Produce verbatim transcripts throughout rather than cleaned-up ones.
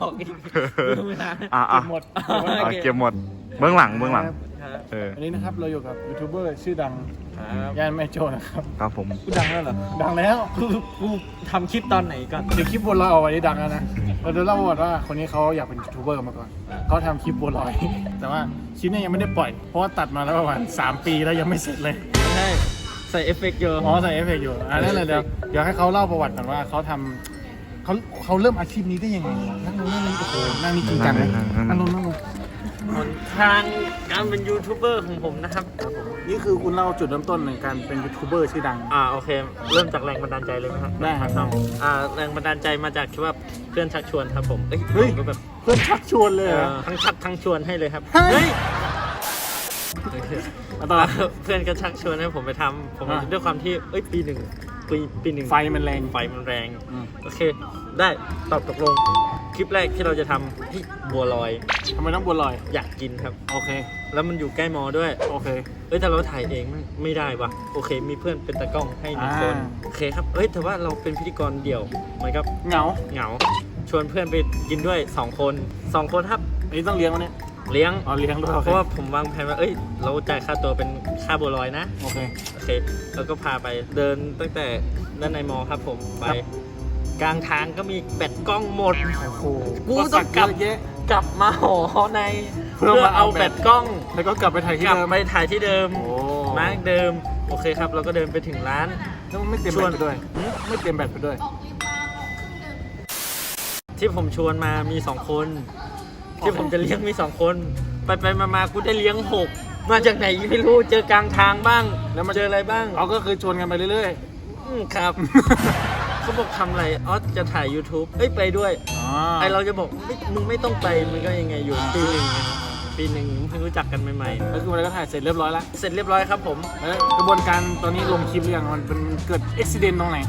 อกอีกเวลาอ่าเก็บหมดอ่าเก็บหมดเบื้องหลังเบื้องหลังเอออันนี้นะครับเราอยู่กับยูทูบเบอร์ชื่อดังครับย่านแม่โจ้นะครับครับผมกูดังแล้วเหรอดังแล้วกูกูทำคลิปตอนไหนก่อนเดี๋ยวคลิปบัวลอยเอาไว้ดังแล้วนะเราจะเล่าประวัติว่าคนนี้เขาอยากเป็นยูทูบเบอร์มาก่อนเขาทำคลิปบัวลอย แต่ว่าคลิปเนี้ยังไม่ได้ปล่อยเพราะว่าตัดมาแล้วประมาณสามปีแล้วยังไม่เสร็จเลยใช่ใส่เอฟเฟกต์เยอะอ๋อใส่เอฟเฟกต์อยู่อ่ะนั่นเลยเดี๋ยวเดี๋ยวให้เขาเล่าประวัติก่อนว่าเขาทำเขาเขาเริ่มอาชีพนี้ได้ยังไงนั่งลงนั่งนี่โอ้โหนั่งนี่จริงจังเลยนั่งลงนั่งลงหนทางการเป็นยูทูบเบอร์ของผมนะครับนี่คือคุณเล่าจุดเริ่มต้นในการเป็นยูทูบเบอร์ชื่อดังอ่าโอเค เริ่มจากแรงบันดาลใจเลยไหมครับได้ครับน้องอ่าแรงบันดาลใจมาจากที่ว่าเพื่อนชักชวนครับผมเอ้ยเฮ้ยผมก็แบบเพื่อนชักชวนเลยเอ่เหรออทั้งชักทั้งชวนให้เลยครับเฮ้ยเฮ้ยมาต่อเพื่อนก็ชักชวนให้ผมไปทำผมอ่ะด้วยความที่เอ้ยปีหนึ่งปีปีหนึ่งไฟมันแรงไฟมันแรงอืมโอเค ได้ตอบตกลง คลิปแรกที่เราจะทำที่บัวลอยทำไมต้องบัวลอยอยากกินครับโอเคแล้วมันอยู่ใกล้มอด้วยโอเคเอ้ยแต่เราถ่ายเองไม่ไม่ได้วะโอเค มีเพื่อนเป็นตากล้องให้หนึ่งคนอ่าโอเคครับเอ้ยแต่ว่าเราเป็นพิธีกรเดี่ยวมันก็เหงาเหงา ชวนเพื่อนไปกินด้วยสองคนสองคนครับอันนี้ต้องเลี้ยงวะเนี่ยเลี้ยงอ๋อเลี้ยงด้วยโอเพเคราะว่าผมวางแผนว่าเอ้ยเราจ่ายค่าตัวเป็นค่าบัวลอยนะโอเคโอเคแล้วก็พาไปเดินตั้งแต่ด้านในมอครับผมไปครับกลางทางก็มีแบตกล้องหมดโอ้โหกูต้องกลับเยอะแยะกลับมาหอในเพื่เพื่ออมาเอาเอาแบแบตตกล้องแล้วก็กลับไปถ่ายที่กลับเดิมไปถ่ายที่เดิมโอ้มาร์กเดิมโอเคครับเราก็เดินไปถึงร้านแล้วมันไม่เต็มชแบวตนไปด้วย ไม่เต็มแบตไปด้วยที่ผมชวนมามีสองคน ที่ผมจะเลี้ยงมีสองคน ไปไปมามากูได้เลี้ยงหกมาจากไหนไม่รู้เจอกลางทางบ้าง แล้วมาเจออะไรบ้างเขาก็คือชวนกันไปเรื่อยอืมครับ เขาบอกทำอะไรอ๋อจะถ่าย YouTube เอ้ยไปด้วยๆ อ๋อไอเราจะบอกไม่มึงไม่ต้องไปมันก็ยังไงอยู่ปีหนึ่งไงปีหนึ่งเพิ่งรู้จักกันใหม่แล้วคือวันนั้นก็ถ่ายเสร็จเรียบร้อยแล้วๆ เสร็จเรียบร้อยครับผมแล้วกระบวนการตอนนี้ลงคลิปหรือยังมันเป็นเกิดอุบิเหตุตรงไหน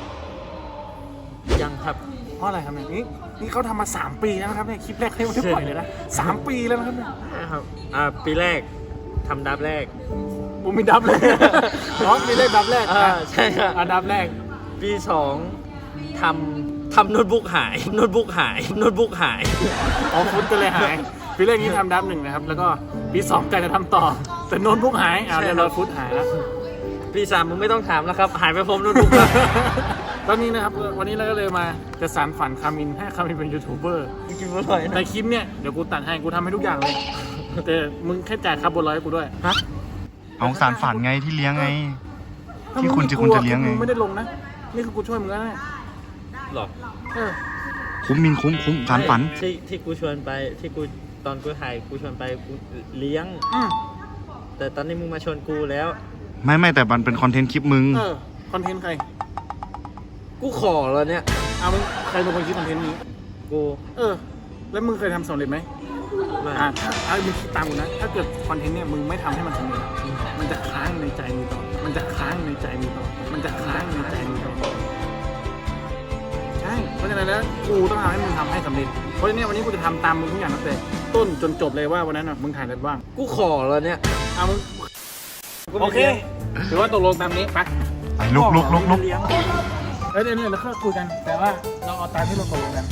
ยังครับเพราะอะไรครับเนี่ยนี่นี่เขาทำมาสามปีแล้วนะครับเนี่ยคลิปแรกเขายังไม่ได้ปล่อยเลยนะสามปีแล้วนะครับเนี่ยนะครับอ่าปีแรกทำดับแรกผมมีดับเลย อ๋อมีเลขดับแรกอ่าใช่ครับอ่ะดับแรกปีสองทำทำโน้ตบุ๊กหายโน้ตบุ๊กหายโน้ตบุ๊กหายอ๋อฟุตก็เลยหายปีแรกนี้ทำดับหนึ่งนะครับ แล้วก็ปีสองกะจะทำต่อ แต่โน้ตบุ๊กหายอ่าใช่เรียบครัร้อบ ยฟุตหายแล้วปีสามมึงไม่ต้องถามแล้วครับ หายไปพร้อมโน้ตบุ๊กแล้วตอนนี้นะครับวันนี้เราก็เลยมาจะสานฝันคามินให้คามินเป็นยูทูบเบอร์กินอร่อยในนะคลิปเนี่ยเดี๋ยวกูตัดให้กูทำให้ทุกอย่างเลย แต่มึงแค่จ่ายค่าบนร้อยให้กูด้วยฮะเอาสารฝันไงที่เลี้ยงไงถ้าที่มึงคุณไม่จะกคุณลัวจะเลี้ยงไงมึงไม่ได้ลงนะนี่คือกูช่วยมึงแล้วนะหรอเออคุ้มมินคุ้มคุ้มสารฝันที่ที่กูชวนไปที่กูตอนกูถ่ายกูชวนไปกูเลี้ยงอืมแต่ตอนนี้มึงมาชวนกูแล้วไม่ไม่แต่มันเป็นคอนเทนต์คลิปมึงเออคอนเทนต์ใครกูขอแล้วเนี่ยเอามึงใครเป็นคนคิดคอนเทนต์นี้กูเออ แล้วมึงเคยทำสำเร็จไหมมาอ่าถ้าเอามึงคิดตามกูนะ ถ้าเกิดคอนเทนต์เนี่ยมึงไม่ทำให้มันสำเร็จมันจะค้างในใจมึงต่อ มันจะค้างในใจมึงต่อ มันจะค้างในใจมึงต่อ ใช่ เพราะฉะนั้นแล้วกูต้องทำให้มึงทำให้สำเร็จ เพราะฉะนั้นวันนี้กูจะทำตามมึงทุกอย่างตั้งแต่ต้นจนจบเลยว่าวันนั้นน่ะมึงถ่ายอะไรบ้างกูขอแล้วเนี่ยเอามึงกูโอไม่เคลี้ยงถือว่าตกลงตามนี้ไปไปลุกลุกลุกลุกเลี้ยงเอ้ยเดี๋ยวเดี๋ยวเราค่อยคุยกัน แต่ว่าเราเอาตามที่เราตกลงกัน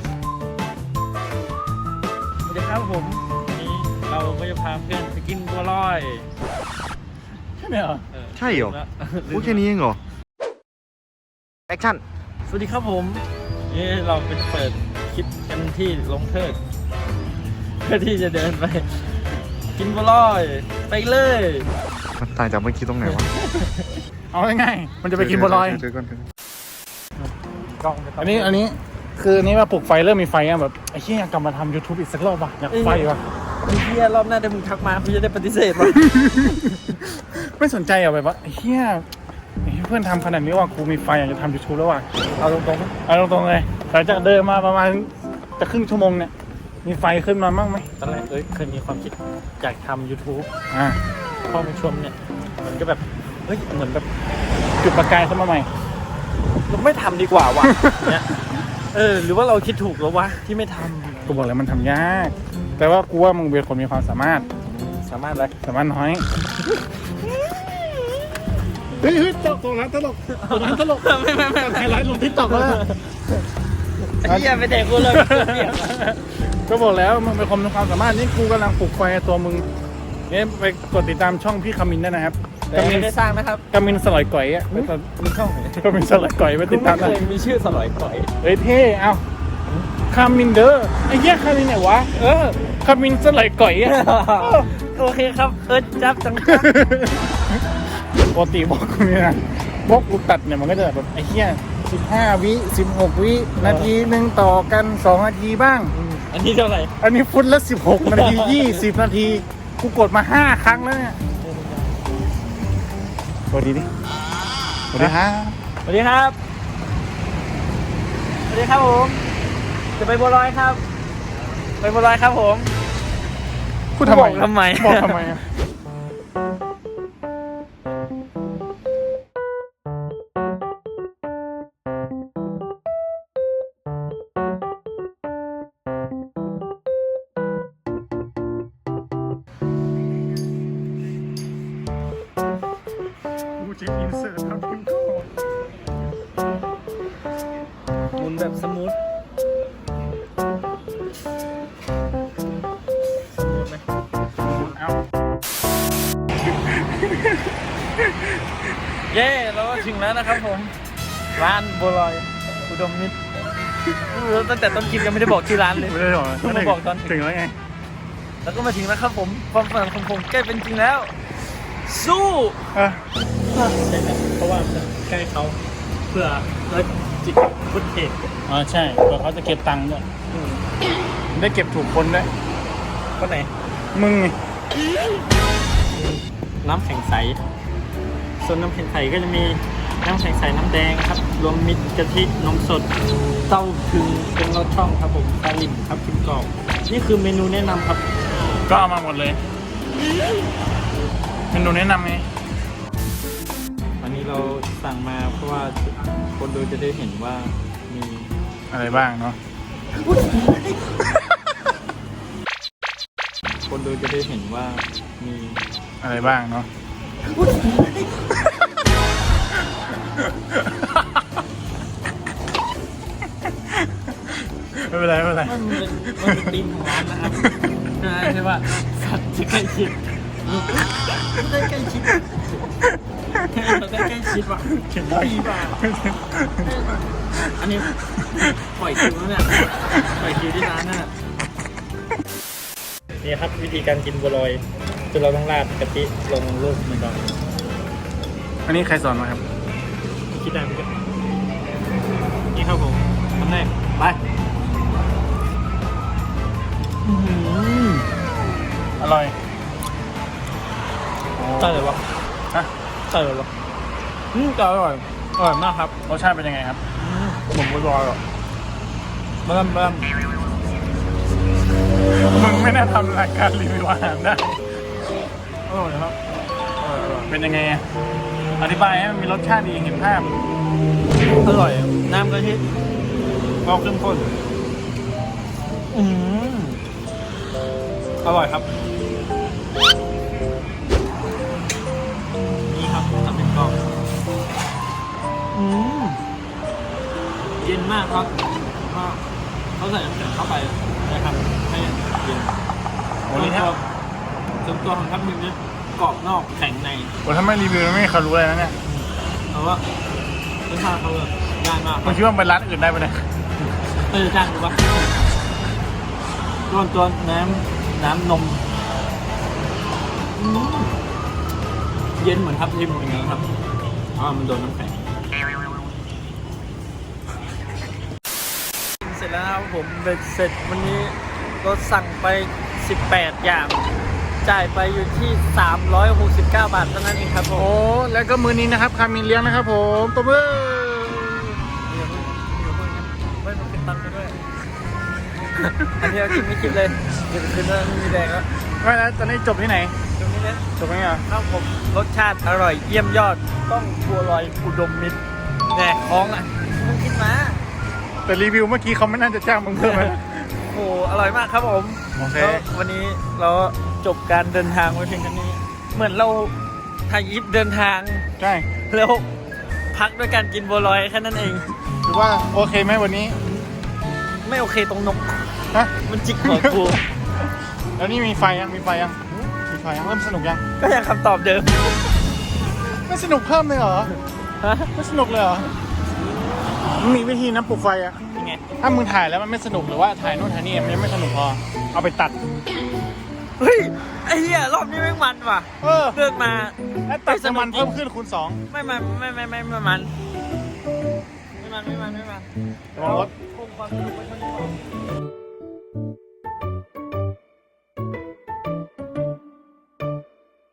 สวัสดีครับผมวันนี้เราก็จะพาเพื่อนไปกินบัวลอยใช่ไหมเหรอเออใช่เหรอลืมพูดแค่นี้เองเหรอ แอคชั่นสวัสดีครับผมนี่เราเป็นเปิดคลิปกันที่ลงเทิดเพื่อที่จะเดินไป กินบัวลอยไปเลยมันตายจากเมื่อกี้ตรงไหนวะเอาง่ายๆมันจะไปกินบัวลอยเดี๋ยวก่อนเดี๋ยวก่อนกล้องไม่ต้งอันนี้อันนี้คืออันนี้ว่าปลุกไฟเริ่มมีไฟอ่ะแบบไอ้เหี้ยอยากกลับมาทำ YouTube อีกสักรอบว่ะอยากไฟว่ะไอ้เหี้ยรอบหน้าถ้ามึงทักมาพี่จะได้ปฏิเสธวะไม่สนใจอ่ะแบบว่าไอ้เหี้ยไอ้เพื่อนทำขนาดนี้ว่ะกูมีไฟอยากจะทำ YouTube แล้วว่ะเอาตรงๆเอาตรงๆเลยหลังจากเดินมาประมาณจะครึ่งชั่วโมงเนี่ยมีไฟขึ้นมาบ้างไหมตอนแรกเอ้ยเคยมีความคิดอยากทำ YouTube อ่าพอมาชมเนี่ยมันก็แบบเฮ้ยเหมือนแบบจุดประกายขึ้นมาใหม่เราไม่ทำดีกว่าว่ะ เนี่ยเออหรือว่าเราคิดถูกแล้ววะที่ไม่ทกูบอกเลยมันทำยากแต่ว่ากูว่ามึงเป็นคนมีความสามารถำสามารถอะไรสามารถน้อยเฮ้ยเฮ้ยตลกตลกร้านตลกตลกไม่ไม่ไม่ไฮไลท์ลงทิกตอกแล้วไอ้เหี้ยไปแดกกูเลยก็บอกแล้วมึงเป็นคนมีความสามารถนี่กูกำลังปลุกไฟตัวมึงเนี่ยไปกดติดตามช่องพี่คามินได้นะครับแต่ไม่ได้สร้างนะครับกามินสลอยก่อยอ่ะไปตอนมีช่องไหนกามินสลอยก่อยไปติดตามไม่ได้เคยมีชื่อสลอยก่อยเฮ้ยเท่เอาคามินเด้อไอ้เหี้ยคามินไหนวะเออคามินสลอยก่อยอ่ะโอเคครับเอิร์ธจับจังจังปกติบอกกูเนี่ยนะบอกกูตัดเนี่ยมันก็จะแบบไอ้เหี้ยสิบห้าวิสิบหกวินาทีหนึ่งต่อกันสองนาทีบ้างอันนี้เท่าไหร่อันนี้ฟุตละสิบหกนาทียี่สิบนาทีกูกดมาห้าครั้งแล้วเนี่ยสวัสดีดิสวัสดีฮะสวัสดีครับสวัสดีครับผมจะไปบัวลอยครับ ไปบัวลอยครับผมพูดทำไมบอกทำไมบอกทำไมอะกูจะอินเสิร์ตทำพิมพ์ก่อนหมุนแบบสมูทสมูทไหมเอาเย้เราก็ถึงแล้วนะครับผม ร้านบัวลอยอุดมมิตรตั้งแต่ต้นคลิปยังไม่ได้บอกชื่อร้านเลยไม่ได้หรอกเพิ่งมาบอกตอนถึงถึงแล้วไงแล้วก็มาถึงแล้วครับผม ความฝันของผมใกล้เป็นจริงแล้ว สู้อ่ะใช่ไหมเพราะว่ามันใกล้เขาเพื่อแล้วจิตพุทธเอกอ๋อใช่เดี๋ยวเขาจะเก็บตังค์ด้วยได้เก็บถูกคนด้วยคนไหนมึงไงน้ำแข็งใสส่วนน้ำแข็งใสก็จะมีน้ำแข็งใสน้ำแดงครับรวมมิตรกะทินมสดเต้าถึงเป็นรสช่องครับผมปลาลิ่มครับกิมกรอบนี่คือเมนูแนะนำครับก็เอามาหมดเลยเมนูแนะนำไงอันนี้เราสั่งมาเพราะว่าคนดูจะได้เห็นว่ามีอะไรบ้างเนาะคนดูจะได้เห็นว่ามีอะไรบ้างเนาะไม่เป็นไรไม่เป็นไรมันเป็นมันเป็นธีมของร้านนะครับใช่ใช่ป่ะสัตว์จะใกล้ชิดได้ใกล้ชิดเราได้ใกล้ชิดว่ะเขียนได้ดีป่ะอันนี้ปล่อยคิวแล้วเนี่ยปล่อยคิวที่ร้านน่ะนี่ครับวิธีการกินบัวลอยคือเราต้องราดกะทิลงลูกมันก่อนอันนี้ใครสอนมาครับคิดได้ไหมครับนี่ครับผมคำแรกไปอื้อหืออร่อยใช่เลยวะฮะใช่เลยวะอืมอร่อยอร่อยมากครับรสชาติเป็นยังไงครับผมบัวลอยอ่ะเบิ่มเบิ่มมึงไม่น่าทำรายการรีวิวอาหารได้อร่อยครับอร่อยอร่อยเป็นยังไงอะอธิบายให้มันมีรสชาติดีเห็นภาพอร่อยน้ำกะทิก็เข้มข้นอืมอร่อยครับนี่ครับทำเป็นกรอบอืมเย็นมากครับก็เขาใส่น้ำแข็งเข้าไปนะครับให้เย็นโอ้นี่ถ้าส่วนตัวของทับทิมเนี่ยกรอบนอกแข็งในโอ้ถ้าไม่รีวิวไม่มีใครรู้เลยนะเนี่ยเพราะว่ารสชาติเขาแบบง่ายมากมึงคิดว่าไปร้านอื่นได้ไหมเนี่ยเออจ้างดูปะตัวตัวน้ำน้ำนมอืมเย็นเหมือนทับทิมเหมือนกันครับอ๋อมันโดนน้ำแข็งเสร็จแล้วครับผมเบ็ดเสร็จวันนี้เราสั่งไปสิบแปดอย่างจ่ายไปอยู่ที่สามร้อยหกสิบเก้าบาทเท่านั้นเองครับผมโอ้แล้วก็มือนี้นะครับคามินเลี้ยงนะครับผมตัวมือไม่มาเป็นตังค์กันด้วย อันนี้เรากินไม่คิดเลยเดี๋ยวคืนนั้นมีแดงแล้วไม่แล้วตอนนี้จบที่ไหนตรงนี้เนี่ยจบไหมอ่ะข้าวผมรสชาติอร่อยเยี่ยมยอด ต้องบัวลอยอุดมมิตรแหนคล้องอ่ะมึงคิดมาแต่รีวิวเมื่อกี้เขาไม่น่าจะจ้างมึงเพิ่มไหมโอ้โหอร่อยมากครับผมโอเคแล้ววันนี้เราจบการเดินทางไว้เพียงแค่นี้ เหมือนเราถ่ายยิปเดินทางใช่แล้วพักด้วยการกินบัวลอยแค่นั้นเองถือว่าโอเคไหมวันนี้โไม่โอเคตรงนกฮะมันจิกหัวกูแล้วนี่มีไฟยังมีไฟยังมีไฟยังเริ่มสนุกยังก็ยังคำตอบเดิมไม่สนุกเพิ่มเลยเหรอฮะไม่สนุกเลยเหรอมันมีวิธีนะปลุกไฟอะยังไงถ้ามึงถ่ายแล้วมันไม่สนุกหรือว่าถ่ายนู่นถ่ายนี่มันยังไม่สนุกพอเอาไปตัดเฮ้ยไอ้เหี้ยรอบนี้แม่งมันว่ะเออเดินมาแล้วตัดน้ำมันเพิ่มขึ้นคูณสองไม่มันไม่ไม่ไม่ไม่มันไม่มันไม่มันไม่มันระวังรถคงความสนุกไว้เท่านี้